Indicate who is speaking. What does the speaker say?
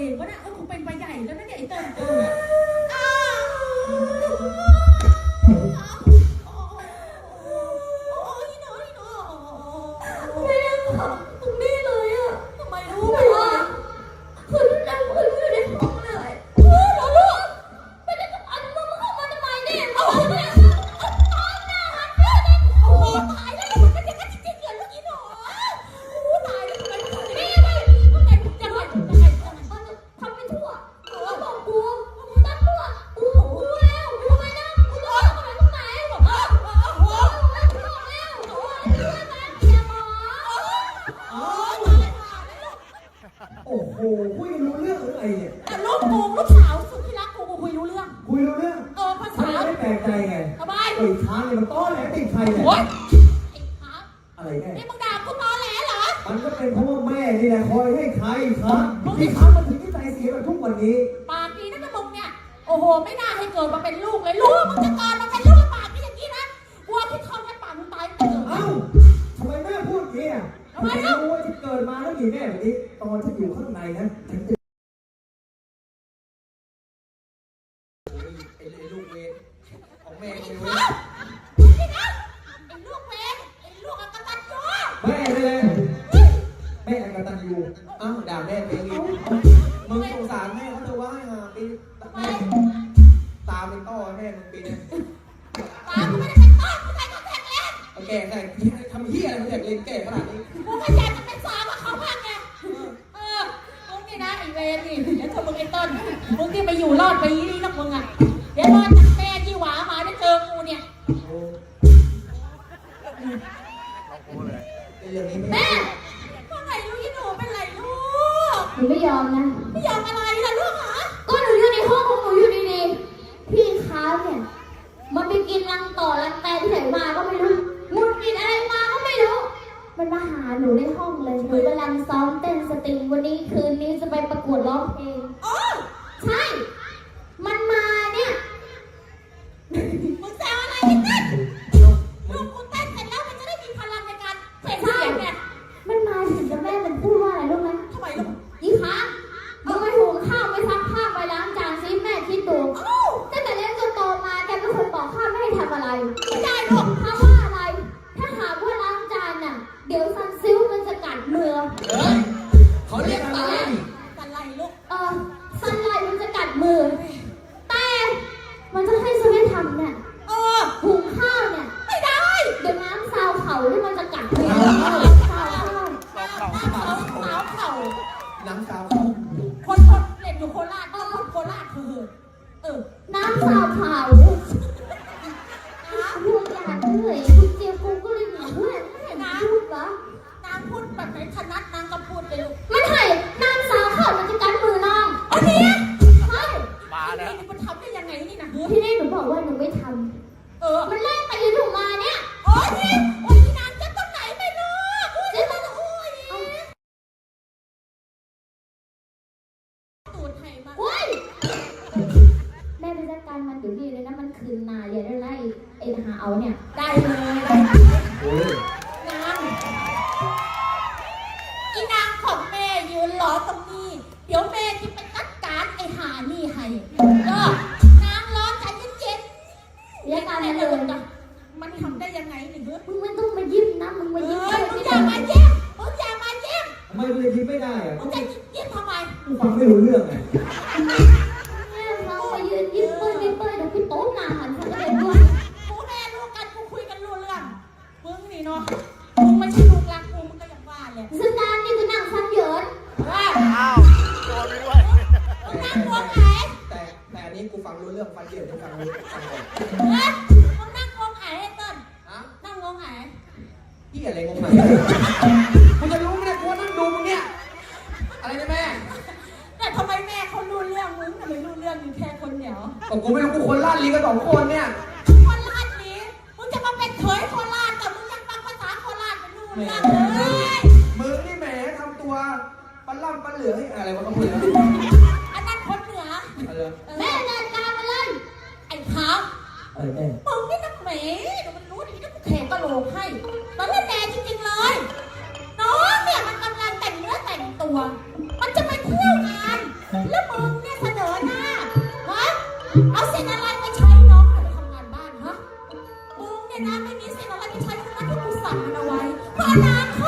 Speaker 1: งวะเนี่ยกูเป็นไปใหญ่แล้วนะเนี่ยไอ้เติ้ล
Speaker 2: โอ้โหคุยรู้เรื่องหรือไงเนี่ย
Speaker 1: แต่ลูกสาวสุดที่รักกูคุยรู้เรื่องภาษา
Speaker 2: ไม่แปลกใจไง
Speaker 1: ทำไม
Speaker 2: ไอ้ช้างเนี่ยมันต้อแหลติดใครเนี่ย
Speaker 1: โอ๊ยไอ้ช้าง
Speaker 2: อะไรแน่
Speaker 1: นี่มึงด่ากูตอแหลเหรอ
Speaker 2: มันก็เป็นเพราะว่าแม่นี่แหละคอยให้ใครครับที่ช้างมันถึงที่ใจเสียแบบทุกวันนี้
Speaker 1: ปากดีนะมึงเนี่ยโอ้โหไม่น่าให้เกิดมาเป็นลูกเลยลูกมึงจะเกิดมาเป็นลูกปากไม่อย่างนี้นะกลัวพี่ทอมให้ปากมึงตายเกิด
Speaker 2: เอ้าทำไมแม่พูดอย่างนี้อ่ะทำไมรู้ว่าที่เกิดมาแล้วมีแม่แบบนี้ตอนที่อยู่ข้างในนั้นฉันจะไอ้ลูกเวรของแม่ก็ไม่รู้
Speaker 1: นี่นะไอ้ลูกเวรไอ้ลูกอกตัญญู
Speaker 2: แม่เลยแม่อกตัญญูอ้าวด่าแม่ไปอย่างนี้มึงสงสารแม่เขาเธอว่าให้มาปีแม่ตาเป็นต้อแม่มึงปีนี้
Speaker 1: ตาไม่ได้เป็นต้อไม่ใช่คอนแทคเลนส์
Speaker 2: โอเคใช่ทำเหี้ยอะไรคอนแทคเลนส์แก่ขนาดนี้
Speaker 1: กูก็อยากจะเป็นสาวกับเขาบ้างไงมึงนี่นะไอ้เวรนี่เดี๋ยวเธอมึงไอ้ต้นมึงที่ไปอยู่รอดไปนี่นักมึงอ่ะเดี๋ยวรอดจากแม่ที่หวามาได้เจอกูเนี่ยแม่ว่าไงลูกยี่หนูเป็นไรลูก
Speaker 3: หนูไม่ยอมนะ
Speaker 1: ไม่ยอมอะไรล่ะลูกหรอ
Speaker 3: ก็หนูอยู่ในห้องของหนูอยู่ดีๆพี่ค้าเนี่ยมันไปกินรังต่อรังแตนที่ไหนมาก็ไม่รู้มุดกินอะไรมาก็ไม่รู้มันมาหาหนูในห้องเลยหนูกำลังซ้อมเต้นสตริงวันนี้คืนนี้จะไปประกวดร้องเพลง
Speaker 1: อ๋อ
Speaker 3: ใช่มันมาเนี่ย
Speaker 1: มึงแซวอะไรกันเต้นลูกกูเต้นเสร็จแล้วมันจะได้มีพลังในการเพ่งเสียงไง
Speaker 3: มันมาถึงจะแม่มันพูดว่าอะไรรู้ไหม
Speaker 1: ทำไมลูก
Speaker 3: อีค้ามึงไปหุงข้าวไปซักผ้าไปล้างจานซิแม่คิดดูตั้งแต่เล็กจนโตมาแกไม่เคยบอกข้าไม่ให้ทำอะไร
Speaker 1: ไม่ได้หรอก
Speaker 3: ถ้าว่าอะไรถ้าหากว่าล้างจานน่ะเดี๋ยวซันซิลมันจะกัดมือ
Speaker 2: เขาเรียกอะไร
Speaker 1: กันไรลูก
Speaker 3: ซันไลมันจะกัดมือแต่มันจะให้ฉันไม่ทำเนี่ยหุงข้าวเนี่ย
Speaker 1: ไม่ได้
Speaker 3: เดี๋ยวน้ำซาวเข่าที่มันจะกัดมือซาวเข่า
Speaker 2: น้ำซาว
Speaker 1: คนเล่นอยู่โคราชโคราชคือ
Speaker 3: น้ำซาวเข่าพวกอยากเหนื่อยคุณเจียวกูก็เลยหนีเพื่อนไม่เห็นพูดวะ
Speaker 1: นางพูดแบบไหนถนัดนางก็พูดเลยลูก
Speaker 3: มันให้น้ำซาวเข่ามันจะกัดมือน้อง
Speaker 1: อันนี้
Speaker 3: ใช่
Speaker 1: มาแล้วนี่มันทำได้ยังไงนี่นะ
Speaker 3: ที่นี่หนูบอกว่าหนูไม่ทำมันไล่ตีหนูมาเนี่ย
Speaker 1: นี่นางจะต้องไหนไม่รู้จะต้องตูดไทยมา
Speaker 3: แม่ไปจัดการมันเดี๋ยวนี้เลยนะมันคืนนาอย่าได้ไล่ไอ้หาเอาเนี่ย
Speaker 1: ได้เลยนางอีนางของแม่ยืนรอตรงนี้เดี๋ยวแม่จะไปจัดการไอ้หานี่ให้นางรอใจเย็น
Speaker 3: ๆอย่าการเลย
Speaker 1: มันทำได้ยังไงหนึ่ง
Speaker 3: มึงไม่ต้องมายิ้มนะมึงมายิ้ม
Speaker 1: มึงอย่ามาเย็บ
Speaker 2: ทำไมมึงยิ้มไม่ได้อะ
Speaker 1: มึงจะยิ้มทำไม
Speaker 2: มึงฟังไม่รู้เรื่องไง
Speaker 3: เราไปยืนยิ้มเป้ยเดี๋ยวพี่โต๊ะหนาหันฉันก็เลยด้วย
Speaker 1: กูแม่ลูกกันกูคุยกันรู้เรื่องมึงนี่เนาะมึงไม่ใช่ลูกรักกูมึงก็อย่างว่าเลย
Speaker 3: ซึ่งการนี่คือนั่งฟันเหยิน
Speaker 1: โดนไปด้วยมึงนั่งงงไหน
Speaker 2: แต่อันนี้กูฟังรู้เรื่องฟังเหยินกูฟังรู้ฟังก่อน
Speaker 1: มึงนั่งงงไหนเติ้ลนั่งงงไหน
Speaker 2: พี่อะไรงงไหนมึงจะรู้ไหมเนี่ยกูนั่งดูมึงเนี่ยอะไรนะแม่
Speaker 1: แต่ทำไมแม่เขารู้เรื่องมึงทำไมรู้เรื่องอยู่แค่คนเดียว
Speaker 2: ก็กูไม่รู้กูคนลาดลีกัน2 คนเนี่ย
Speaker 1: คนลาดลีมึงจะมาเป็นเขยโคราชแต่มึงยังฟังภาษาโคราชเป็นรู้เรื่องเลย
Speaker 2: มึงนี่แหมทำตัวปลาล่ำปลาเหลือให้อะไรวะเขาพูดแล้ว
Speaker 1: อันนั้นคนเหนือ
Speaker 3: แม่จัดการมาเลย
Speaker 1: ไอ้ขาวมึงนี่นักแหมเดี๋ยวมันรู้ดีนะกูแขกกระโหลกให้ตอนแรกแน่จริงๆเลยน้องเนี่ยมันกำลังแต่งเนื้อแต่งตัวมันจะไปเที่ยวงานแล้วมึงเนี่ยเสนอหน้าฮะเอาเส้นอะไรไปใช้น้องไปทำงานบ้านฮะมึงเนี่ยนะไม่มีเส้นอะไรไปใช้ทั้งนั้นที่กูสั่งมันเอาไว้เพราะอนาค